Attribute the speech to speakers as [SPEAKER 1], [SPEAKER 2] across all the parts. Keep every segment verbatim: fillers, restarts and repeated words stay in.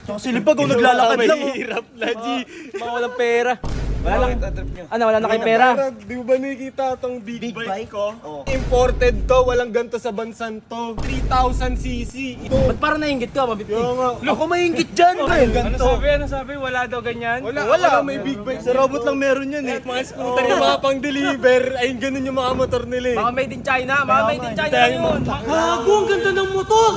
[SPEAKER 1] Silipag kung naglalakad lang.
[SPEAKER 2] Mahirap na, G.
[SPEAKER 3] Mga walang pera. Wala lang. Ano, wala na kayong pera?
[SPEAKER 2] Di mo ba nakikita itong big,
[SPEAKER 1] Big
[SPEAKER 2] bike,
[SPEAKER 1] bike?
[SPEAKER 2] ko?
[SPEAKER 1] Oo.
[SPEAKER 2] Imported to, walang ganto sa bansan to. three thousand cc. Ito.
[SPEAKER 3] Ba't parang nainggit ka, mabit?
[SPEAKER 2] Kaya nga.
[SPEAKER 1] Ako maingit dyan, pre.
[SPEAKER 4] Ano sabi? Ano sabi? Wala daw ganyan?
[SPEAKER 2] Wala,
[SPEAKER 1] Wala.
[SPEAKER 2] wala, may big bike.
[SPEAKER 1] Sa robot lang meron yan eh.
[SPEAKER 2] Mga scooter yung mga pang-deliver. Ayun, ganun yung mga motor nila eh.
[SPEAKER 3] Mga made in China, mga made in China
[SPEAKER 2] Tayo
[SPEAKER 3] na
[SPEAKER 2] mo.
[SPEAKER 3] yun.
[SPEAKER 4] Gago, ang ganda ng motor!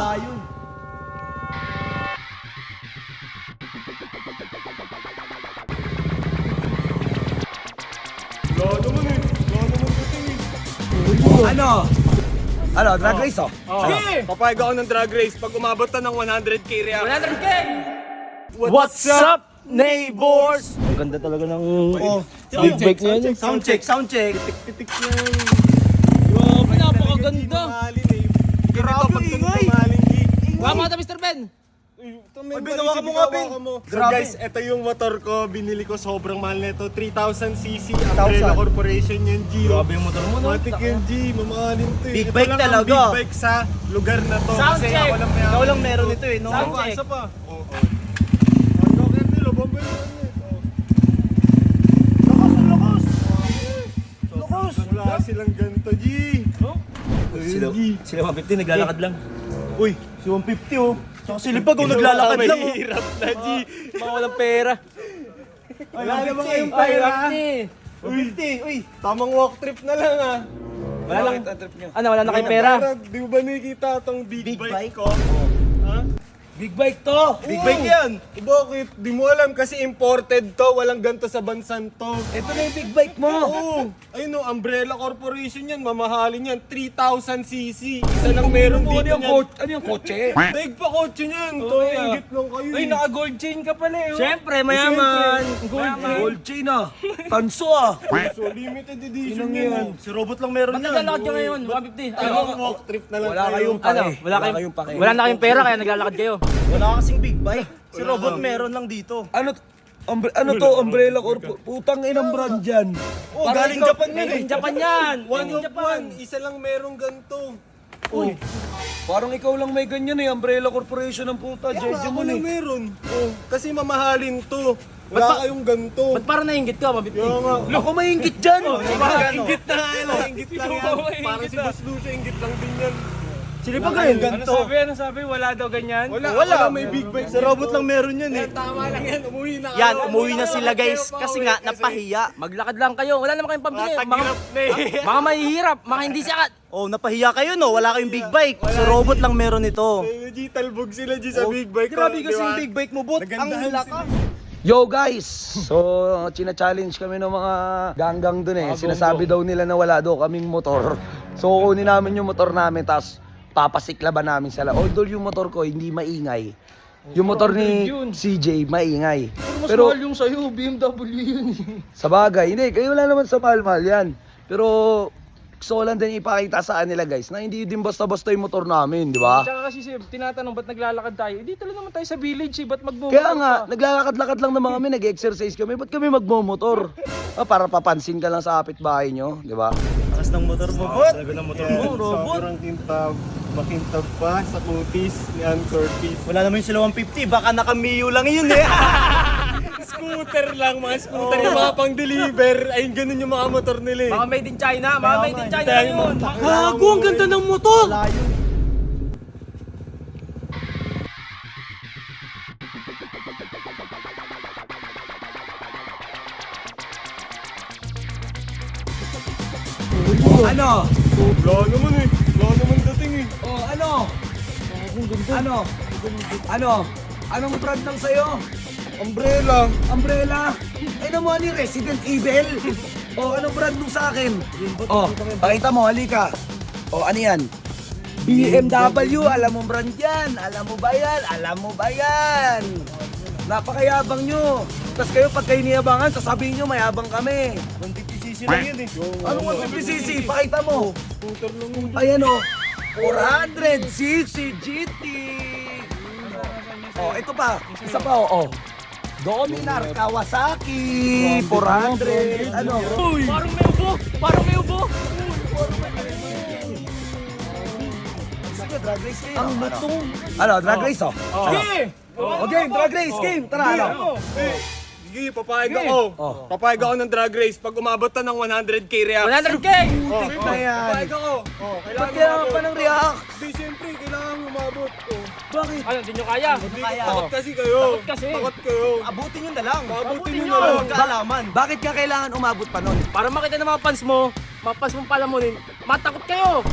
[SPEAKER 2] Wala naman eh. Wala naman dating eh.
[SPEAKER 1] Ano? Ano, drag race oh?
[SPEAKER 2] Sige! Papayag ako ng drag race pag umabot na ng one hundred k react.
[SPEAKER 3] one hundred K!
[SPEAKER 1] What's up, neighbors? Ang ganda talaga ng oh, big bike niya yun. Sound check, sound check.
[SPEAKER 2] Titik yan.
[SPEAKER 3] Grabe, napakaganda.
[SPEAKER 2] Mahalin eh.
[SPEAKER 1] Grabe,
[SPEAKER 2] Ganito pag
[SPEAKER 1] ingay.
[SPEAKER 2] mahalin, G.
[SPEAKER 3] Wala mo ata, Mister Ben.
[SPEAKER 2] Ay,
[SPEAKER 1] Ay, binawa mo nga, Ben.
[SPEAKER 2] So
[SPEAKER 1] Grabe.
[SPEAKER 2] guys, ito yung motor ko. Binili ko sobrang mahal nito. three thousand cc.
[SPEAKER 1] three
[SPEAKER 2] Umbrella
[SPEAKER 1] thousand.
[SPEAKER 2] Corporation yan, G.
[SPEAKER 1] Grabe yung motor mo, no?
[SPEAKER 2] Matik yan, G. Mamahalin to eh.
[SPEAKER 1] Big
[SPEAKER 2] Ito
[SPEAKER 1] bike
[SPEAKER 2] lang ang
[SPEAKER 1] talaga.
[SPEAKER 2] big bike sa lugar na to.
[SPEAKER 3] Sound
[SPEAKER 2] Kasi
[SPEAKER 3] check.
[SPEAKER 2] ako lang may
[SPEAKER 1] Ikaw lang meron ito eh, no?
[SPEAKER 3] Sound
[SPEAKER 2] Oo,
[SPEAKER 3] check.
[SPEAKER 2] isa pa. Oo. Ano kaya nila? Bombay mo
[SPEAKER 1] Lakas, lakas.
[SPEAKER 2] Wala silang ganito, G.
[SPEAKER 1] Sila,
[SPEAKER 2] G.
[SPEAKER 1] sila one fifty naglalakad lang. Uy, si one fifty oh. Tsaka silipag kung naglalakad lang oh.
[SPEAKER 2] Mahirap na, G.
[SPEAKER 3] Mga walang pera.
[SPEAKER 2] Wala naman kayong
[SPEAKER 3] Ay,
[SPEAKER 2] pera.
[SPEAKER 1] one fifty, uy.
[SPEAKER 2] Tamang walk trip na lang ah.
[SPEAKER 3] Wala lang. Ano, wala na kayong pera?
[SPEAKER 2] Di mo ba nakikita itong big,
[SPEAKER 1] Big
[SPEAKER 2] bike,
[SPEAKER 1] bike?
[SPEAKER 2] ko? Ha?
[SPEAKER 1] Big bike to. Big
[SPEAKER 2] Oo.
[SPEAKER 1] bike yan.
[SPEAKER 2] Eh, bakit? Di mo alam kasi imported to. Walang ganto sa bansan to.
[SPEAKER 1] Ito na yung big bike mo.
[SPEAKER 2] Oo. Ayun o, Umbrella Corporation yan. Mamahalin yan. three thousand cc. Isa lang meron dito yan.
[SPEAKER 1] Ano yung kotse?
[SPEAKER 2] Daig pa kotse niyan. To, ingit lang kayo.
[SPEAKER 4] Ay,
[SPEAKER 2] eh.
[SPEAKER 4] naka-gold chain ka pala eh. oh.
[SPEAKER 3] Siyempre, mayaman.
[SPEAKER 4] Gold chain.
[SPEAKER 1] Gold chain ah. Tanso ah.
[SPEAKER 2] So, limited edition
[SPEAKER 1] Inang
[SPEAKER 2] yan.
[SPEAKER 1] yan. Si robot lang meron
[SPEAKER 3] Ba't
[SPEAKER 1] yan.
[SPEAKER 3] naglalakad ka ngayon? one fifty.
[SPEAKER 2] Ano,
[SPEAKER 3] Ano?
[SPEAKER 2] walk trip na lang
[SPEAKER 1] Wala
[SPEAKER 2] kayo.
[SPEAKER 1] kayong
[SPEAKER 3] Ano?
[SPEAKER 1] pake.
[SPEAKER 3] Wala
[SPEAKER 1] Wala
[SPEAKER 3] kayong
[SPEAKER 1] kayong pake.
[SPEAKER 3] Wala na kayong pera kaya naglalakad kayo.
[SPEAKER 1] Wala kasing big bike. Si robot meron lang dito.
[SPEAKER 5] Ano umbre- ano to, Umbrella Corp? Putang inang brand yan.
[SPEAKER 1] Oh,
[SPEAKER 3] Parang
[SPEAKER 1] galing
[SPEAKER 3] ikaw-
[SPEAKER 1] Japan yan
[SPEAKER 3] Made
[SPEAKER 1] eh.
[SPEAKER 3] in Japan yan.
[SPEAKER 2] One
[SPEAKER 3] Made in
[SPEAKER 2] of
[SPEAKER 3] Japan.
[SPEAKER 2] one. Isa lang merong ganto.
[SPEAKER 5] Oh. Parang ikaw lang may ganyan eh, Umbrella Corporation ng puta.
[SPEAKER 2] Kaya
[SPEAKER 5] Jeje
[SPEAKER 2] nga
[SPEAKER 5] mo
[SPEAKER 2] ako lang
[SPEAKER 5] eh.
[SPEAKER 2] meron. Oh, kasi mamahalin to.
[SPEAKER 3] Ba't
[SPEAKER 2] Wala
[SPEAKER 3] ba-
[SPEAKER 2] kayong ganto.
[SPEAKER 3] Ba't parang nainggit ka, mabit?
[SPEAKER 2] Kaya nga.
[SPEAKER 5] Ako maingit dyan.
[SPEAKER 2] Ingit na ano, ingit lang yan. Parang si Boss Lucio, ingit lang din yan.
[SPEAKER 1] Silipag
[SPEAKER 2] Wala
[SPEAKER 1] ayun.
[SPEAKER 2] kayong
[SPEAKER 4] Ano sabi? Ano sabi? Wala daw ganyan?
[SPEAKER 2] Wala,
[SPEAKER 1] Wala.
[SPEAKER 2] wala, may big bike.
[SPEAKER 1] Sa robot lang meron yan eh.
[SPEAKER 2] Tama lang yan, umuwi na kayo.
[SPEAKER 1] Yan, umuwi na sila guys. Kasi nga, napahiya.
[SPEAKER 3] Maglakad lang kayo. Wala naman kayong pambili. Mga,
[SPEAKER 2] Tagilap na eh.
[SPEAKER 3] mga mahihirap. Mga hindi sikat.
[SPEAKER 1] Oh, napahiya kayo no. Wala kayong big bike. Sa robot lang meron ito.
[SPEAKER 2] G, talbog sila G sa big bike.
[SPEAKER 1] Grabe
[SPEAKER 2] Di
[SPEAKER 1] kasi
[SPEAKER 2] ba?
[SPEAKER 1] yung big bike mo, bot. Ang
[SPEAKER 2] Nagandahan
[SPEAKER 1] lakas.
[SPEAKER 5] Yo guys! So, china-challenge kami ng mga ganggang dun eh. Sinasabi daw nila na wala daw kaming motor. So, kunin namin yung motor namin, tapos papasiklaban namin sila. Although yung motor ko hindi maingay. Yung motor ni C J, maingay.
[SPEAKER 4] Mas
[SPEAKER 5] Pero,
[SPEAKER 4] mahal yung sa'yo, B M W yun eh.
[SPEAKER 5] sa bagay, hindi, kayo wala naman sa mahal-mahal yan. Pero, gusto ko lang din ipakita sa kanila guys, na hindi din basta-basta yung motor namin, di ba?
[SPEAKER 4] Tsaka kasi sir, tinatanong ba't naglalakad tayo? Eh, dito lang naman tayo sa village eh, ba't magbumotor
[SPEAKER 5] Kaya nga,
[SPEAKER 4] ka?
[SPEAKER 5] naglalakad-lakad lang naman kami, nag-exercise kami. Ba't kami magmomotor? Ah, para papansin ka lang sa kapitbahay nyo, di ba?
[SPEAKER 1] Lakas ng motor mo, bot.
[SPEAKER 2] Talaga ng motor mo, robot. Sobrang kintab. Makintab pa sa kutis ni Ann Curtis.
[SPEAKER 1] Wala naman yung sila one fifty. Baka nakamiyo lang yun eh.
[SPEAKER 2] Scooter lang, mga scooter yung mga pang-deliver. Ayun, ganun yung mga motor nila eh.
[SPEAKER 3] Mga made in China. Mga made in China na yun.
[SPEAKER 4] Gago, ang ganda ng motor!
[SPEAKER 5] Ano?
[SPEAKER 2] Wala naman eh. Wala naman dating eh.
[SPEAKER 5] Oh, ano? Ano? Ano? Anong brand ng sayo?
[SPEAKER 2] Umbrella.
[SPEAKER 5] Umbrella? Ay naman ni Resident Evil. Oh, anong brand nung sa akin? Oh, pakita mo, halika. Oh, ano yan? B M W, alam mo brand yan. Alam mo ba yan? Alam mo ba yan? Napakayabang nyo. Tapos kayo pag kayo niyabangan, sasabihin nyo mayabang kami.
[SPEAKER 1] one fifty cc lang yun eh.
[SPEAKER 5] Anong one fifty cc? Pakita mo.
[SPEAKER 2] Scooter lang yun.
[SPEAKER 5] Ayan o. four hundred cc G T. Oh, ito pa. Isa pa o. Oh. Dominar Kawasaki. four hundred. Ano?
[SPEAKER 3] Parang may ubo. Parang may ubo.
[SPEAKER 5] Sige, drag race kayo. Ano? Ano, drag race oh.
[SPEAKER 3] Sige.
[SPEAKER 5] O game, drag race, game. Tara, ano?
[SPEAKER 2] Eh, sige, papayag ako. Papayag ako ng drag race pag umabot na ng one hundred K reaction.
[SPEAKER 3] one hundred K!
[SPEAKER 5] Putik na yan.
[SPEAKER 2] Papayag ako. Oh,
[SPEAKER 5] Ba't
[SPEAKER 2] kailangan
[SPEAKER 5] kailangan pa ng react?
[SPEAKER 2] Hindi, siyempre, kailangan umabot. Oh.
[SPEAKER 5] Bakit?
[SPEAKER 3] Ano, hindi nyo kaya?
[SPEAKER 2] Hindi, takot kasi kayo.
[SPEAKER 3] Takot kasi.
[SPEAKER 2] Takot kayo.
[SPEAKER 1] Abutin nyo na lang.
[SPEAKER 2] Abutin nyo
[SPEAKER 3] nyo.
[SPEAKER 2] na lang.
[SPEAKER 1] Kaalaman.
[SPEAKER 5] Bakit ka kailangan umabot pa nun?
[SPEAKER 3] Para makita ng mga fans mo, mga fans mo palamunin, matakot kayo!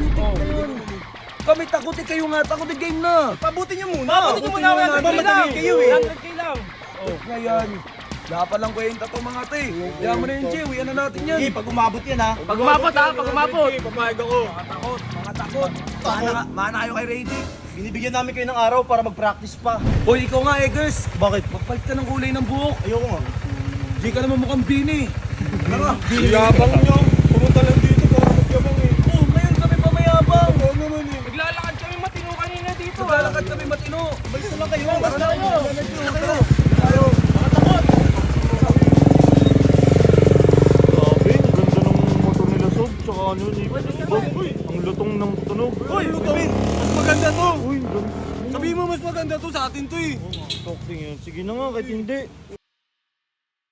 [SPEAKER 5] Kami takutin kayo nga, takutin game na.
[SPEAKER 1] Pabutin nyo muna.
[SPEAKER 3] Mabuti nyo muna, one hundred K lang!
[SPEAKER 1] kayo eh.
[SPEAKER 3] one hundred K lang!
[SPEAKER 5] Ngayon, wala pa lang kwenta to mga te. Kaya mo na yun, Jay. Uyan na natin yan.
[SPEAKER 1] Sige, pag umabot yan ha.
[SPEAKER 3] Pag umabot ha, pag umabot!
[SPEAKER 2] Papayag ako.
[SPEAKER 5] Takot, mga takot. Mana, mana kayo kay Radic.
[SPEAKER 1] Binibigyan namin kayo ng araw para mag-practice pa.
[SPEAKER 5] Hoy, ikaw nga, Eggers.
[SPEAKER 1] Bakit?
[SPEAKER 5] Magpalit ka ng kulay ng buhok.
[SPEAKER 1] Ayoko nga.
[SPEAKER 5] Di ka naman mukhang bini. Ano nga?
[SPEAKER 2] Yabang nyo. Pumunta lang dito para magyabang eh.
[SPEAKER 5] Oh, ngayon kami pamayabang.
[SPEAKER 2] Oo naman eh.
[SPEAKER 3] Naglalakad kami matino kanina dito ha!
[SPEAKER 5] Maglalakad kami matino.
[SPEAKER 1] Basta lang kayo.
[SPEAKER 3] Basta kayo!
[SPEAKER 5] Tayo.
[SPEAKER 6] Grabe, ang ganda ng motor nila Sob, tsaka ano ni Bob, ang lutong ng tunog.
[SPEAKER 2] Uy, luto. Mas maganda to.
[SPEAKER 6] Uy, ang ganda.
[SPEAKER 2] Sabihin mo mas maganda to sa atin to eh.
[SPEAKER 6] Talking yun. Sige na nga, kahit hindi.